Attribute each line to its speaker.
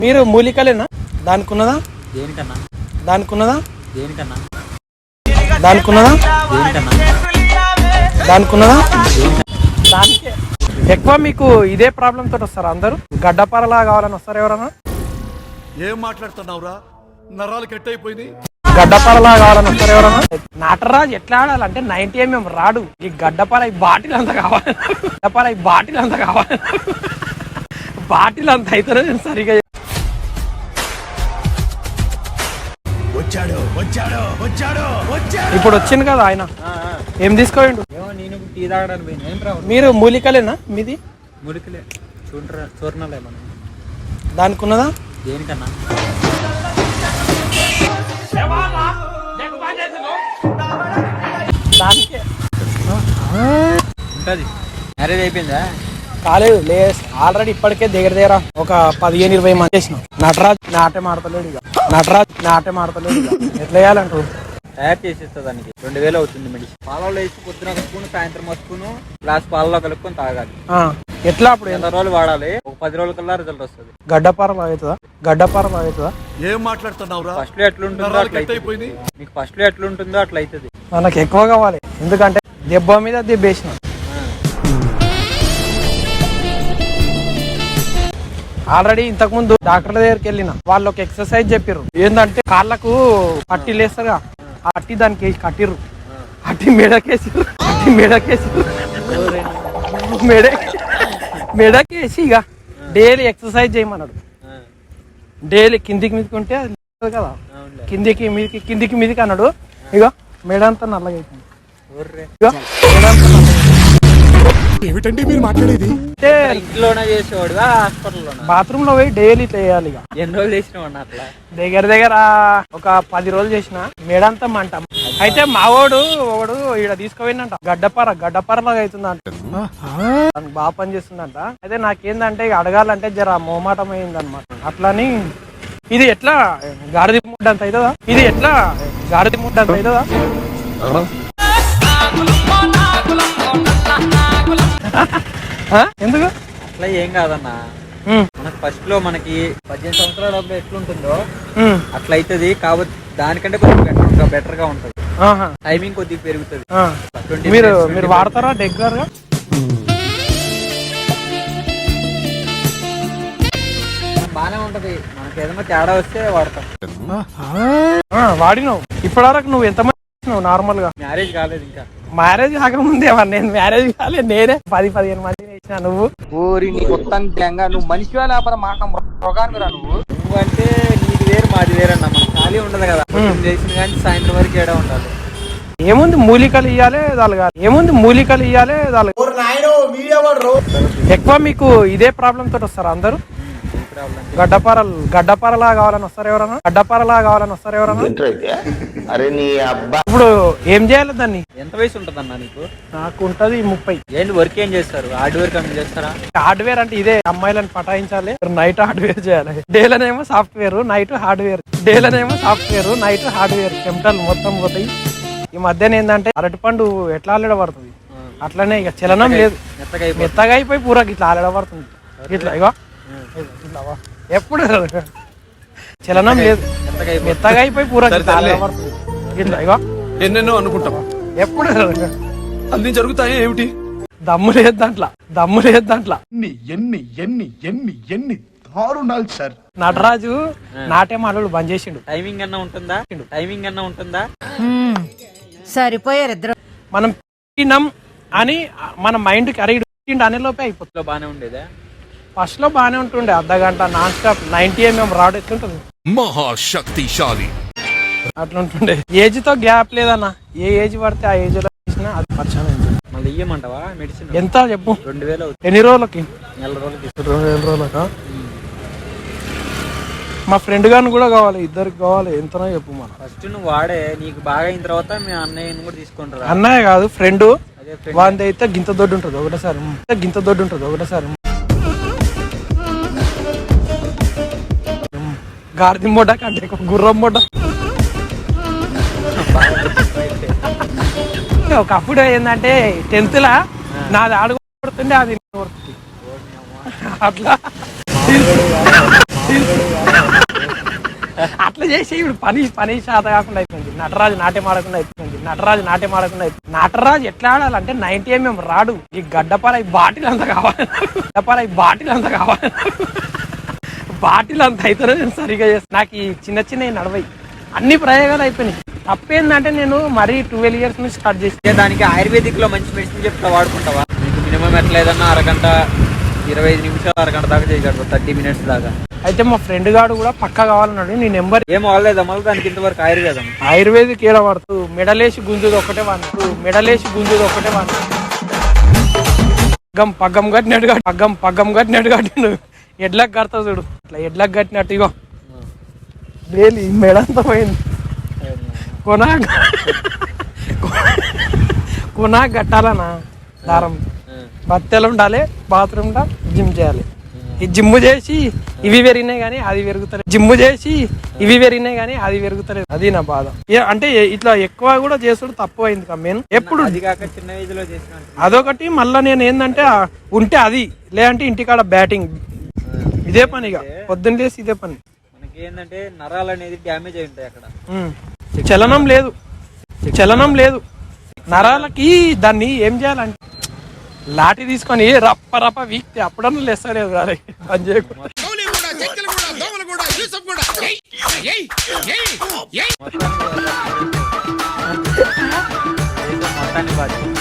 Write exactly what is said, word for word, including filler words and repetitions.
Speaker 1: మీరు మూలికలేనా? దానికి ఉన్నదా?
Speaker 2: దేనికన్నా?
Speaker 1: దానికి ఉన్నదా?
Speaker 2: దేనికన్నా?
Speaker 1: దానికి ఉన్నదా?
Speaker 2: దేనికన్నా?
Speaker 1: దానికి ఉన్నదా? దానికే ఎక్కువ మీకు ఇదే ప్రాబ్లం తోటి వస్తారు అందరూ. గడ్డపారలా కావాలని వస్తారు ఎవరన్నా?
Speaker 3: ఏం మాట్లాడుతున్నావురా? నరాలు కట్ అయిపోయింది.
Speaker 1: గడ్డపారలా కావాలని వస్తారు ఎవరన్నా? నటరాజు ఎట్లా ఆడాలంటే నైన్టీ ఎంఎం రాడు. ఈ గడ్డపార ఈ బాటిల్ అంతా కావాలి. గడ్డపార ఈ బాటిల్ అంతా కావాలి. బాటిల్ అంత అయితేనే నేను సరిగా
Speaker 3: వచ్చాడు వచ్చాడు వచ్చాడు వచ్చాడు
Speaker 1: ఇప్పుడు వచ్చింది కదా ఆయన. ఏం తీసుకోండు?
Speaker 2: నేను టీ తాగడానికి పోయినా.
Speaker 1: మీరు మూలికలేనా? మీది
Speaker 2: మురికిలే చూడరా చూర్ణలే మనం.
Speaker 1: దానికి ఉన్నదా?
Speaker 2: దేనికన్నా?
Speaker 1: దానికే
Speaker 2: ఉంటుంది. మ్యారేజ్ అయిపోయిందా?
Speaker 1: కాలేదు లే, ఆల్రెడీ ఇప్పటికే దగ్గర దగ్గర ఒక పదిహేను ఇరవై మంది చేసినాం. నటరాజ్ నాట్యం ఆడతలేడు ఇక. నటరాజ్ నాట్యం ఆడతలేడు ఇక. ఎట్లా వేయాలంటారు?
Speaker 2: తయారు చేసేస్తా దానికి రెండు వేలు అవుతుంది మెడిసిన్. పాలలో వేసి పొద్దున ఒక స్పూన్, సాయంత్రం ఒక స్పూన్, గ్లాస్ పాలలో కలుపుకొని తాగాలి.
Speaker 1: ఎట్లా అప్పుడు
Speaker 2: ఎంత రోజులు వాడాలి? ఒక పది రోజుల కల్లా రిజల్ట్ వస్తుంది.
Speaker 1: గడ్డపారం అవుతుందా? గడ్డపారం అవుతుందా?
Speaker 3: ఏం మాట్లాడుతున్నావురా?
Speaker 2: ఫస్ట్ లో ఎట్లుంటుందో అట్లా అయిపోయింది. మీకు ఫస్ట్ లో ఎట్లుంటుందో అట్లా అవుతుంది.
Speaker 1: మనకు ఎక్కువ కావాలి, ఎందుకంటే దెబ్బ మీద దెబ్బేసిన. ఆల్రెడీ ఇంతకు ముందు డాక్టర్ దగ్గరికి వెళ్ళిన, వాళ్ళు ఒక ఎక్సర్సైజ్ చెప్పారు. ఏంటంటే కాళ్ళకు పట్టి లేస్తారుగా, ఆ పట్టి దానికి వేసి కట్టిర్రు. అట్టి మెడకేసిర్రు, అట్టి మెడకేసిర్రు, మెడ మెడకేసి ఇక డైలీ ఎక్సర్సైజ్ చేయమన్నాడు. డైలీ కిందికి మీదకి ఉంటే అది లేదు కదా, కిందికి మీదికి కిందికి మీదికి అన్నాడు. ఇక మెడంతా నల్లగా అయిపోయింది. ఇక మెడంతా నల్లగా
Speaker 3: ఏమిటండి మీరు మాట్లాడేది?
Speaker 2: ఇంట్లోనే చేసేవాడు హాస్పిటల్లో?
Speaker 1: బాత్రూమ్ లో పోయి డైలీ చేయాలి. ఇక
Speaker 2: ఎన్ని రోజులు చేసినావు అట్లా?
Speaker 1: దగ్గర దగ్గర ఒక పది రోజులు చేసిన. మేడంతా మంట. అయితే మావోడు ఒకడు ఈడ తీసుకుపోయిందంట, గడ్డపార గడ్డపారలాగా అవుతుందంట, బాగా పని చేస్తుందంట. అయితే నాకేందంటే ఇక అడగాలంటే జర మోమాటం అయింది అనమాట. అట్లని ఇది ఎట్లా గాడిద ముడ్డ అంత అవుతుందా? ఇది ఎట్లా గాడిద ముడ్డ అంత అవుతుందా? ఎందుకు
Speaker 2: అట్లా ఏం కాదన్నా. మనకు ఫస్ట్ లో మనకి పద్దెనిమిది సంవత్సరాల డబ్బులు ఎట్లుంటుందో అట్లా అవుతుంది. కాబట్టి దానికంటే కొంచెం బెటర్ బెటర్ గా ఉంటుంది. టైమింగ్ కొద్దిగా పెరుగుతుంది.
Speaker 1: మీరు మీరు వాడతారా రెగ్యులర్ గా?
Speaker 2: బానే ఉంటది. మనకి ఏదైనా తేడా వస్తే వాడతాం.
Speaker 1: వాడినావు ఇప్పటివరకు? నువ్వు ఎంతమంది నార్మల్ గా?
Speaker 2: మ్యారేజ్ కాలేదు ఇంకా.
Speaker 1: మ్యారేజ్ కాకముందే నేను మ్యారేజ్ కాలేదు, నేనే పది పదిహేను మంది వేసిన. నువ్వు
Speaker 2: ఊరి నీ మొత్తం నువ్వు మనిషి లేకపోతే మాట రోగానికి రా. నువ్వు నువ్వు అంటే నీది వేరు మాది వేరన్నా. మనకు ఖాళీ ఉండదు కదా, చేసిన కానీ సాయంత్రం వరకు ఏడా ఉండాలి.
Speaker 1: ఏముంది మూలికలు ఇయ్యాలి దాలుగాలి, ఏముంది మూలికలు ఇయ్యాలి దాలు. ఎక్కువ మీకు ఇదే ప్రాబ్లం తోటి వస్తారు అందరూ. గడ్డపారలు గడ్డపారలా కావాలని వస్తారు ఎవరన్నా? గడ్డపారలా కావాలని వస్తారు ఎవరన్నా? ఇప్పుడు ఏం చేయాలి దాన్ని?
Speaker 2: ఎంత వయసు ఉంటదన్నా నీకు?
Speaker 1: నాకు ఉంటది ముప్పై.
Speaker 2: ఏంటి వర్క్ ఏం చేస్తారు? హార్డ్వేర్ కంపెనీ చేస్తారా?
Speaker 1: హార్డ్వేర్ అంటే ఇదే, అమ్మాయిలను పటాయించాలి, నైట్ హార్డ్వేర్ చేయాలి. డేలనేమో సాఫ్ట్వేర్, నైట్ హార్డ్వేర్. డేలనేమో సాఫ్ట్వేర్, నైట్ హార్డ్వేర్. చెమటలు మొత్తం పోతాయి. ఈ మధ్యన ఏంటంటే అరటిపండు ఎట్లా ఆలడబడుతుంది అట్లనే ఇక చలనం లేదు, మెత్తగా అయిపోయి పూరా ఇట్లా ఆలడబడుతుంది. ఇట్లా ఇగో ఎప్పుడు చలనం లేదు, మెత్తగా అయిపోయి పూరా ఆలడబడుతుంది. ఇట్లా ఇగో
Speaker 3: ఎన్నెన్నో అనుకుంటాం,
Speaker 1: ఎప్పుడు
Speaker 3: అన్ని జరుగుతాయి. ఏమిటి
Speaker 1: దమ్ము లేదు దాంట్లో, దమ్ము లేదు దాంట్లో.
Speaker 3: ఎన్ని ఎన్ని ఎన్ని ఎన్ని ఎన్ని దారుణాలు సార్.
Speaker 1: నటరాజు నాట్యం ఆడలు బంద్ చేసిండు.
Speaker 2: టైమింగ్ అన్నా ఉంటుందా? టైమింగ్ అన్నా ఉంటుందా?
Speaker 4: సరిపోయారు ఇద్దరు.
Speaker 1: మనం తిన్నాం అని మన మైండ్ కి అరే అనే లోపే అయిపోతుంది.
Speaker 2: బానే ఉండేదా?
Speaker 1: ఫస్ట్ లో బానే ఉంటుండే, అర్ధ గంట non stop ninety mm rod ఎట్లుంటుంది,
Speaker 3: మహాశక్తిశాలి
Speaker 1: అట్లుంటుండే. ఏజ్ తో గ్యాప్ లేదన్న, ఏ ఏజ్ పడితే ఆ ఏజ్ లో చేసినా అది పరిచయం.
Speaker 2: మళ్ళీ ఇయ్యమంటావా మెడిసిన్?
Speaker 1: ఎంత చెప్పు?
Speaker 2: రెండు వేలు అవుతుంది.
Speaker 1: ఎన్ని రోజులకి?
Speaker 2: నెల రోజులకి.
Speaker 1: రెండు రోజులకా? మా ఫ్రెండ్ గారిని కూడా కావాలి, ఇద్దరికి కావాలి. ఎంతనో చెప్పు. మన
Speaker 2: ఫస్ట్ నువ్వు వాడే, నీకు బాగా అయిన తర్వాత మీ అన్నయ్యని కూడా తీసుకుంటారు.
Speaker 1: అన్నయ్య కాదు ఫ్రెండ్, వాంది అయితే గింత దొడ్డు ఉంటుంది ఒకటేసారి, గింత దొడ్డు ఉంటుంది ఒకటేసారి. గాడిద మొడ్డ కంటే గుర్రం మొడ్డ. ఒకప్పుడు ఏంటంటే టెన్త్ లా నాది ఆడుకుంటుండే, అది అట్లా అట్లా చేసి ఇప్పుడు పని పని శాత కాకుండా అయిపోయింది. నటరాజు నాట్యం ఆడకుండా అయిపోయింది. నటరాజు నాట్యం ఆడకుండా అయిపోయింది. నటరాజు ఎట్లా ఆడాలంటే నైన్టీ ఎంఎం రాడు, ఈ గడ్డపార ఈ బాటిల్ అంతా కావాలి, గడ్డపార ఈ బాటిల్ అంతా కావాలి, బాటిల్ అంత అయితేనే నేను సరిగా చేస్తాను. నాకు ఈ చిన్న చిన్న నడవయి అన్ని ప్రయోగాలు అయిపోయినాయి. తప్పేందంటే నేను మరీ ట్వెల్వ్ ఇయర్స్ నుంచి స్టార్ట్ చేసి
Speaker 2: దానికి ఆయుర్వేదిక్ లో మంచి మెడిసిన్ చెప్తా వాడుకుంటావా? మీకు మినిమం ఎట్లా ఏదన్నా అరగంట ఇరవై ఐదు నిమిషాలు అరగంట దాకా చేయగలరు, థర్టీ మినిట్స్ దాకా.
Speaker 1: అయితే మా ఫ్రెండ్ గాడు కూడా పక్కా కావాలన్నాడు. నీ నెంబర్
Speaker 2: ఏం అవ్వలేదా మళ్ళీ దానికి ఇంతవరకు ఆయుర్వేదం?
Speaker 1: ఆయుర్వేదిక్ ఏడ పడుతూ మెడలేసి గుంజుది ఒకటే వాడు, మెడలేసి గుంజుది ఒకటే వాడు. పగ్గం పగ్గం కట్టినట్టు కట్టి పగ్గం పగ్గం కట్టినట్టు కట్టిండు. ఎడ్లకు కడతావు చూడు, ఇట్లా ఎడ్లకు కట్టినట్టు. ఇగో వేలి మెడంతా పోయింది. కొనా కొనా కట్టాలనా దారం, బత్తెలు ఉండాలి, బాత్రూమ్ ఉండాలి, జిమ్ చేయాలి. ఈ జిమ్ చేసి ఇవి పెరిగినాయి కానీ అది పెరుగుతలేదు, జిమ్ చేసి ఇవి పెరిగినాయి కానీ అది పెరుగుతలేదు. అది నా బాధ. అంటే ఇట్లా ఎక్కువ కూడా చేసుడు తప్పు అయింది కమ్మేను ఎప్పుడు.
Speaker 2: అది కాక చిన్న ఏజ్ లో చేసిన
Speaker 1: అదొకటి. మళ్ళీ నేను ఏంటంటే ఉంటే అది, లేదంటే ఇంటికాడ బ్యాటింగ్, ఇదే పని. ఇక పొద్దున్న లేసి ఇదే పని.
Speaker 2: మనకి ఏంటంటే నరాలు అనేది డ్యామేజ్ అయి ఉంటాయి అక్కడ.
Speaker 1: చలనం లేదు, చలనం లేదు నరాలకి. దాన్ని ఏం చేయాలంటే లాఠీ తీసుకొని రప్ప రప్ప వీక్తే అప్పుడన్నా లేస్తలేదు రాలే పని చేయకుండా.
Speaker 2: మొత్తాన్ని బాధ్యత